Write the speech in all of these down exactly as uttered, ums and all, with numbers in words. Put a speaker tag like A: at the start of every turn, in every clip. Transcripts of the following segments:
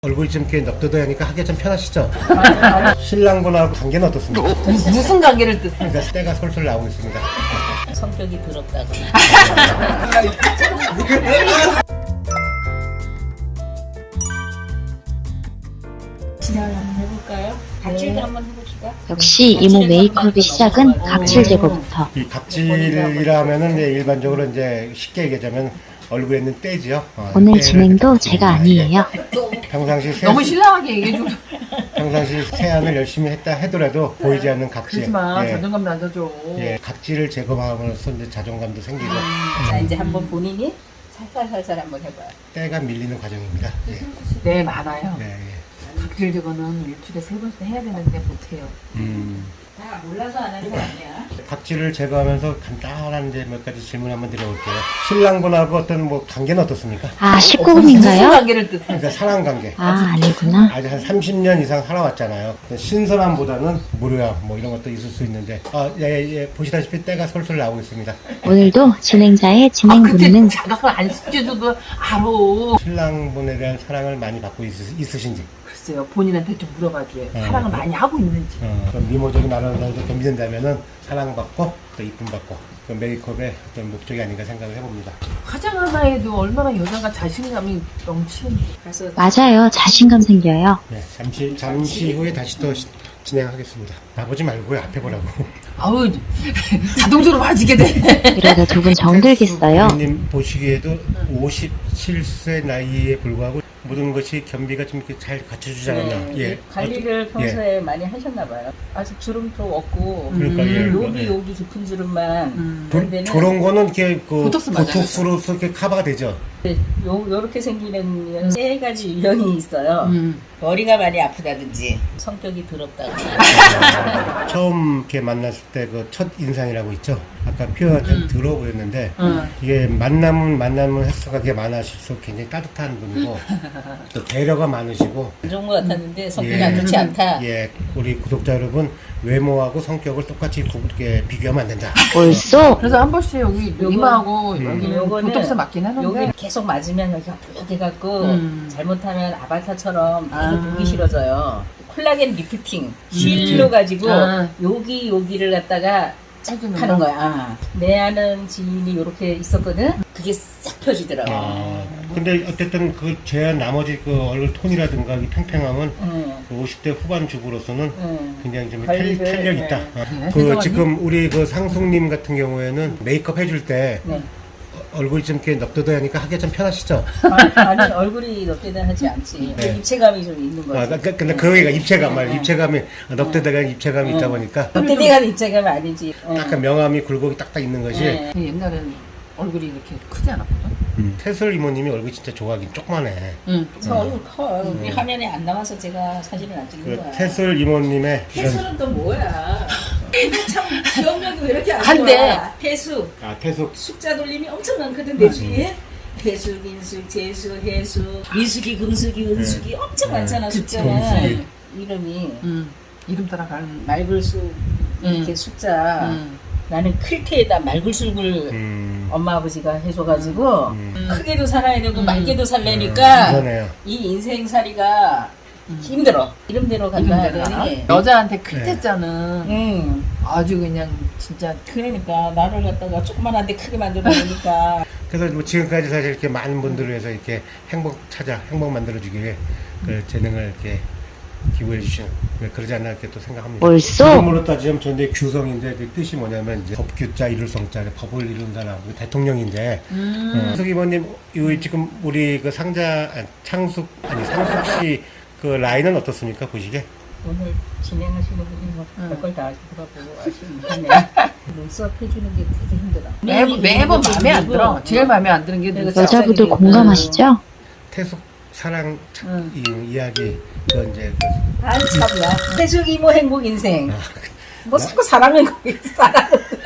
A: 얼굴이 좀 이렇게 넙도도하니까 하기가 좀 편하시죠? 신랑분하고 관계는 어떻습니까?
B: 무슨 관계를 뜻해?
A: 그러니까 때가 솔솔 나오고 있습니다.
C: 성격이 더럽다고. 진행을 한번 해볼까요? 각질도
B: 네.
C: 한번 해봅시다.
D: 역시 이모 메이크업의 시작은 각질 제거부터.
A: 이 각질이라 하면은 이제 일반적으로 이제 쉽게 얘기하자면 얼굴에 있는 때지요. 어,
D: 오늘
A: 때를
D: 진행도
A: 이렇게
D: 제가
A: 각질이나,
D: 아니에요.
A: 예. 평상시 세,
B: 너무 신랑하게 얘기해줘.
A: 평상시 세안을 열심히 했다 하더라도 보이지 않는 각질.
B: 그러지 마.
A: 예.
B: 자존감 낮아져.
A: 예, 각질을 제거함으로써 이제 자존감도 생기고
C: 자, 이제 한번 본인이 살살살살 한번 해봐요.
A: 때가 밀리는 과정입니다. 예.
B: 네, 많아요.
A: 네, 예.
B: 각질 제거는 일주일에 세 번씩 해야 되는데 못해요.
A: 음.
C: 다 몰라서 안 하는 거 아니야?
A: 각질을 제거하면서 간단한 이제 몇 가지 질문 한번 드려볼게요. 신랑분하고 어떤 뭐 관계는 어떻습니까?
D: 아,
B: 무슨
D: 십구금인가요?
B: 관계를 뜻해?
A: 그러니까 사랑 관계.
D: 아, 아니구나.
A: 아직 한 삼십 년 이상 살아왔잖아요. 신선함보다는 무료함 뭐 이런 것도 있을 수 있는데 아, 예, 예, 보시다시피 때가 솔솔 나오고 있습니다.
D: 오늘도 진행자의
B: 아,
D: 진행
B: 그때
D: 본능은
B: 자각을 안 시켜줘도 알아.
A: 신랑분에 대한 사랑을 많이 받고 있, 있으신지
B: 글쎄요, 본인한테 좀 물어봐줘요.
A: 네.
B: 사랑을 많이 하고 있는지.
A: 어, 그럼 미모적인 아름다움도 겸비된다면은 사랑받고 또 이쁨 받고 그 메이크업의 어떤 목적이 아닌가 생각을 해봅니다.
B: 화장 하나에도 얼마나 여자가 자신감이 넘치는지.
C: 그래서
D: 맞아요. 자신감 생겨요.
A: 네, 잠시 잠시 후에 다시 또 시- 진행하겠습니다. 나보지 말고요, 앞에 보라고.
B: 아우, 자동적으로 봐지게 돼.
D: 이러다 두 분 정들겠어요.
A: 님 보시기에도 오십칠 세 나이에 불구하고 모든 것이 겸비가 좀 이렇게 잘 갖춰주지 않았나.
C: 네,
A: 예.
C: 관리를
A: 어떤-
C: 평소에 많이 하셨나 봐요. 아직 주름도 없고
A: 그러니까, 예.
C: 여기
A: 예.
C: 여기 깊은 주름만
B: 음.
A: 조,
C: 그런데는
A: 저런 거는 이렇게 그
B: 보톡스 맞아요.
A: 보톡스로서 이렇게 커버가 되죠.
C: 요 요렇게 생기는 세 가지 유형이 있어요.
B: 음.
C: 머리가 많이 아프다든지 성격이 더럽다고.
A: 처음 이렇게 만났을 때 그 첫 인상이라고 있죠. 아까 표현이 좀 더러워 보였는데
B: 음.
A: 이게 만남은 만남은 횟수가 그게 많으실수록 굉장히 따뜻한 분이고 또 배려가 많으시고
C: 안 좋은 것 같았는데 성격이
A: 예.
C: 안 좋지 않다.
A: 예, 우리 구독자 여러분 외모하고 성격을 똑같이 구- 이렇게 비교하면 안 된다.
D: 벌써
B: 그래서 한 번씩 여기
C: 요건-
B: 이마하고
A: 음.
B: 여기
C: 요거는
B: 보톡스 맞긴 하는데.
C: 여기 계속 맞으면 여기가 부룩해갖고
B: 음.
C: 잘못하면 아바타처럼 되게
B: 아.
C: 보기 싫어져요. 콜라겐 리프팅 실로 가지고
B: 아.
C: 여기 여기를 갖다가 쫙
B: 해주는
C: 하는
B: 거?
C: 거야. 아. 내 아는 지인이 이렇게 있었거든. 그게 싹 펴지더라고.
A: 아, 근데 어쨌든 그 제 나머지 그 얼굴 톤이라든가 이 팽팽함은
C: 응,
A: 그 오십 대 후반 주부로서는
C: 응.
A: 굉장히 좀 탄,
C: 관리를,
A: 탄력 있다.
C: 네.
A: 어.
B: 네,
A: 그
B: 혜정언니?
A: 지금 우리 그 상숙님 같은 경우에는 메이크업 해줄 때
C: 네.
A: 얼굴이 좀 이렇게 넙도도하니까 하기가 좀 편하시죠?
C: 아니, 아니 얼굴이 넙대다 하지 않지.
A: 네.
C: 입체감이 좀 있는 거지.
A: 아, 그- 근데 그 얘기가 입체감 말, 입체감이 넙도도가 입체감이 있다 보니까
C: 넙대대가 입체감이 아니지. 응.
A: 약간 명암이 굴곡이 딱딱 있는 것이
C: 네.
B: 옛날엔 얼굴이 이렇게 크지 않았거든.
A: 음. 태슬 이모님이 얼굴이 진짜 좋아하긴 조그만해.
B: 응.
C: 저 얼굴 커. 우리 화면에 안 나와서 제가 사진을 안 찍는
A: 그
C: 거야.
A: 태슬 이모님의 이런
C: 태수는 또 뭐야? 참 기억력이 왜 이렇게 안
B: 한데.
C: 좋아? 태수
A: 아 태숙
C: 숫자 돌림이 엄청 많거든 내 주위에. 태수, 긴수, 재수, 해수, 미숙이, 금숙이, 은숙이 엄청
A: 네.
C: 많잖아
B: 그치.
C: 숫자는.
A: 금숙이.
C: 이름이
B: 응. 이름 따라가는.
C: 말글수 이렇게
B: 응.
C: 숫자.
B: 응.
C: 나는 클테에다 말글술을
A: 음.
C: 엄마 아버지가 해줘가지고
A: 음.
C: 크게도 살아야 되고
B: 음.
C: 맑게도 살래니까
A: 그러네요.
C: 이 인생살이가 힘들어. 이름대로 간다
B: 이름대로
C: 하더니.
B: 여자한테 클
A: 네.
B: 때자는
C: 응.
B: 아주 그냥 진짜
C: 그러니까 나를 갖다가 조그만한데 크게 만들어 놓으니까
A: 그래서 뭐 지금까지 사실 이렇게 많은 분들을 위해서 이렇게 행복 찾아 행복 만들어주기 위해 그 재능을 이렇게 기부해 주신 그러지 않나 이렇게 또 생각합니다.
D: 벌써
A: 이름으로 따지면 저인데 규성인데 그 뜻이 뭐냐면 이제 법규자 이룰 성자 법을 이룬 사람 그 대통령인데
B: 음.
A: 상숙 이모님 이 지금 우리 그 상자 아, 창숙 아니 상숙 씨 그 라인은 어떻습니까 보시게?
C: 오늘 진행하시는 분이 뭐
B: 응.
C: 별걸 다 물어보고 하시는데 눈썹 해주는 게 되게 힘들어.
B: 매번 매번 마음에 안 들어. 제일 마음에 안 드는 게
C: 내가
B: 눈썹.
D: 여자분들
C: 음.
D: 공감하시죠?
A: 태숙 사랑 차-
C: 응.
A: 이 이야기 그 이제 그
C: 아 참나. 태숙 이모 행복 인생.
A: 아,
C: 뭐 자꾸 사랑은 거기 사랑.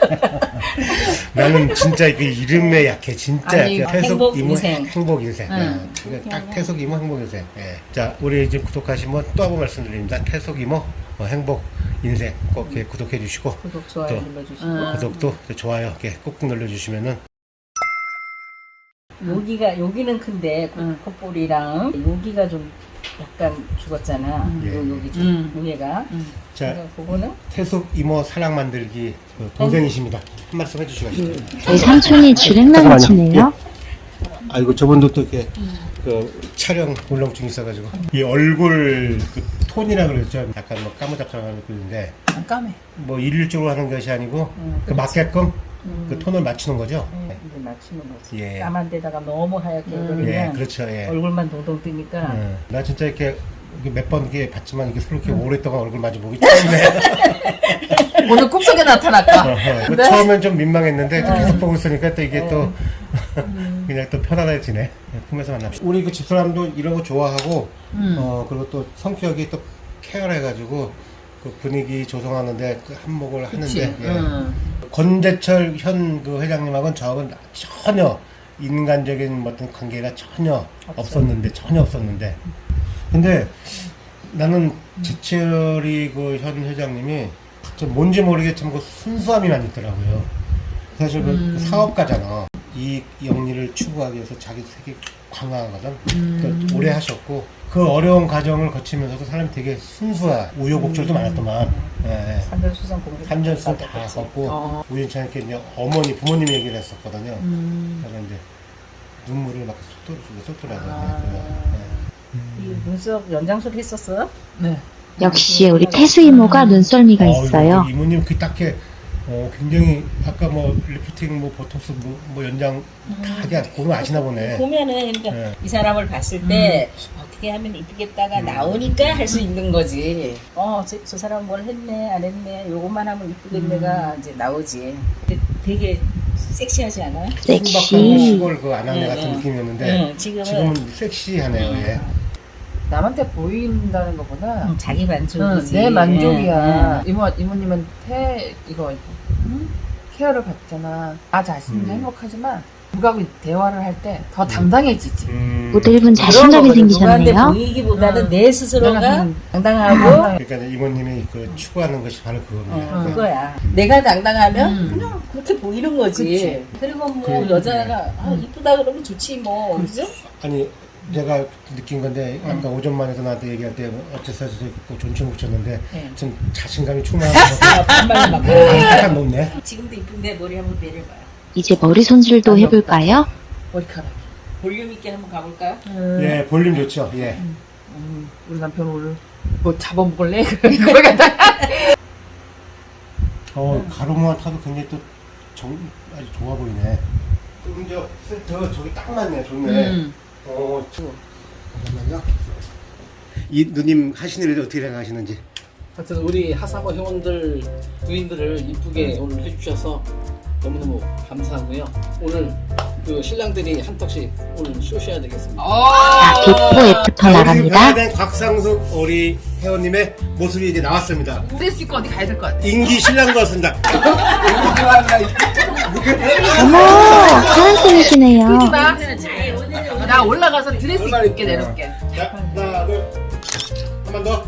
A: 나는 진짜 그 이름에 약해 진짜
B: 아니,
A: 약해 태숙
C: 행복
A: 이모
C: 인생.
A: 행복 인생
B: 응.
A: 예. 그러니까 딱 태숙 이모 행복 인생 예. 자 우리 이제 구독하신 분 또 한 번 말씀드립니다. 태숙 이모 어, 행복 인생 꼭 이렇게 구독해 주시고
C: 구독 좋아요
A: 또.
C: 눌러주시고.
B: 응.
A: 구독도 또 좋아요 이렇게 꾹꾹 눌러주시면은
C: 여기가 여기는 큰데
B: 응.
C: 콧볼이랑 여기가 좀 약간 죽었잖아.
B: 음.
A: 예.
C: 요, 여기 좀
B: 음.
C: 위에가.
B: 음.
A: 자,
C: 그래서 그거는
A: 태숙 이모 사랑 만들기 그 동생이십니다. 한 말씀 해주시겠습니다.
D: 저희 삼촌이 주랭랑을 치네요.
A: 아이고 저분도 또 이렇게 그 촬영 울렁증 있어가지고 이 얼굴 그 톤이라 그랬죠. 약간 뭐 까무잡잡한 얼굴인데
B: 안 까매.
A: 뭐 일률적으로 하는 것이 아니고
C: 음,
A: 그 맞게끔 그 톤을 맞추는 거죠.
C: 음, 이제 맞추는 거지.
A: 예.
C: 까만 데다가 너무 하얗게
B: 음.
C: 그리면
A: 예, 그렇죠. 예.
C: 얼굴만 동동 뜨니까
A: 예. 나 진짜 이렇게 몇 번 이렇게 봤지만 이게 서로 이렇게 오랫동안 얼굴 마주 보기 처음이네.
B: 오늘 꿈속에 나타날까?
A: 어허.
B: 네.
A: 처음엔 좀 민망했는데 또 계속 보고 있으니까 또 이게 또
B: 음.
A: 그냥 또 편안해지네. 꿈에서 만납시다. 우리 그 집사람도 이런 거 좋아하고
B: 음.
A: 어 그리고 또 성격이 또 케어해가지고 그 분위기 조성하는데 그 한몫을
B: 그치.
A: 하는데 예.
B: 음.
A: 권재철 현 그 회장님하고는 저하고는 전혀 인간적인 어떤 관계가 전혀 없었는데 전혀 없었는데 근데 나는 재철이 그 현 회장님이 좀 뭔지 모르겠지만 그 순수함이 많이 있더라고요. 사실 그
B: 음.
A: 사업가잖아. 이 영리를 추구하기 위해서 자기 세계 강화하거든.
B: 음.
A: 그러니까 오래 하셨고 그 어려운 과정을 거치면서도 사람이 되게 순수한 우여곡절도 많았더만. 예, 예.
C: 산전수전 공부
A: 산전수전 다 겪고
B: 어.
A: 우연찮게 이제 어머니 부모님 얘기를 했었거든요.
B: 음.
A: 그래서 이제 눈물을 막 쏟돌 쏟돌하거든요.
C: 아. 이 눈썹 연장술 했었어?
B: 네.
D: 역시 우리 태수 이모가 눈썰미가 있어요.
A: 이모님 그 딱히 어, 굉장히 아까 뭐 리프팅 뭐 보톡스 뭐, 뭐 연장 다 하게 보면 아시나 보네.
C: 보면은 그러니까
A: 네.
C: 이 사람을 봤을 때 어떻게 하면 이쁘겠다가
A: 음.
C: 나오니까 할 수 있는 거지. 어, 저, 저 사람 뭘 했네, 안 했네, 요것만 하면 이쁘겠네가 이제 나오지. 근데 되게 섹시하지 않아요?
A: 순박한
D: 섹시.
A: 시골 그 아낙네
C: 네,
A: 같은
C: 네.
A: 느낌이었는데
C: 네, 지금은,
A: 지금은 섹시하네요. 예.
B: 남한테 보인다는 것보다
C: 음, 자기
B: 응,
C: 만족이지.
B: 내 만족이야.
C: 네,
B: 이모 이모님은 태 이거 응? 케어를 받잖아. 나 자신도
A: 음.
B: 행복하지만 누가 대화를 할 때 더 당당해지지.
A: 음,
D: 모델분 자신감이
B: 거거든.
C: 누구한테
D: 생기셨네요.
C: 보이기보다는
B: 응.
C: 내
B: 내가
C: 스스로가
B: 좀
C: 당당하고
A: 그러니까 이모님이 그 추구하는 것이 바로 그겁니다.
C: 어,
A: 그러니까
C: 그거야. 내가 당당하면
B: 음.
C: 그냥 그렇게 보이는 거지.
B: 그치.
C: 그리고 뭐
A: 그,
C: 여자가 아, 이쁘다 그러면 좋지 뭐. 그죠?
A: 아니 내가 느낀 건데 아까 오전만에도 나한테 얘기할 때 어째서 저렇게 존칭 붙였는데
C: 네.
A: 좀 자신감이 충만하고
C: 반말 막.
A: 약간 높네.
C: 지금도 이쁜데 머리 한번 내려봐요.
D: 이제 머리 손질도 해볼까요?
B: 머리카락.
C: 볼륨 있게 한번 가볼까요?
B: 음.
A: 예, 볼륨 좋죠. 예.
B: 음, 우리 남편 오늘 뭐 잡아먹을래? 그걸 갖다.
A: 어 가로무만 타도 굉장히 또 정, 아주 좋아 보이네. 음저 센터 저기 딱 맞네. 좋네.
B: 음.
A: 어, 저, 잠깐만요. 이 누님 하시는 일이 어떻게 생각하시는지.
E: 하여튼 우리 하사모 회원들 부인들을 이쁘게 오늘 해주셔서 너무너무 감사하고요. 오늘 그 신랑들이 한턱씩 오늘 쏘셔야 되겠습니다.
D: 자, 비포 애프터 나갑니다.
A: 된 곽상숙 우리 회원님의 모습이 이제 나왔습니다.
B: 드레스 입고 어디 가야 될 것 같아.
A: 인기 신랑 같습니다.
D: 어머, 사랑꾼이시네요.
B: 끄지 마. 나 올라가서 드레스 입게 내놓을게.
A: 자, 하나, 둘, 한 번 더.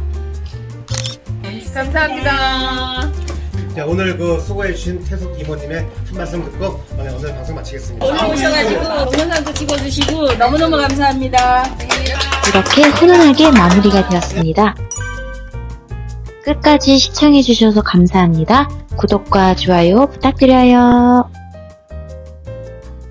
B: 감사합니다.
A: 자, 오늘 그 수고해주신 태숙 이모님의 한 말씀 듣고 오늘, 오늘 방송 마치겠습니다.
C: 오늘 오셔가지고 동영상도 찍어주시고 너무너무 감사합니다.
D: 이렇게 훈훈하게 마무리가 되었습니다. 끝까지 시청해주셔서 감사합니다. 구독과 좋아요 부탁드려요.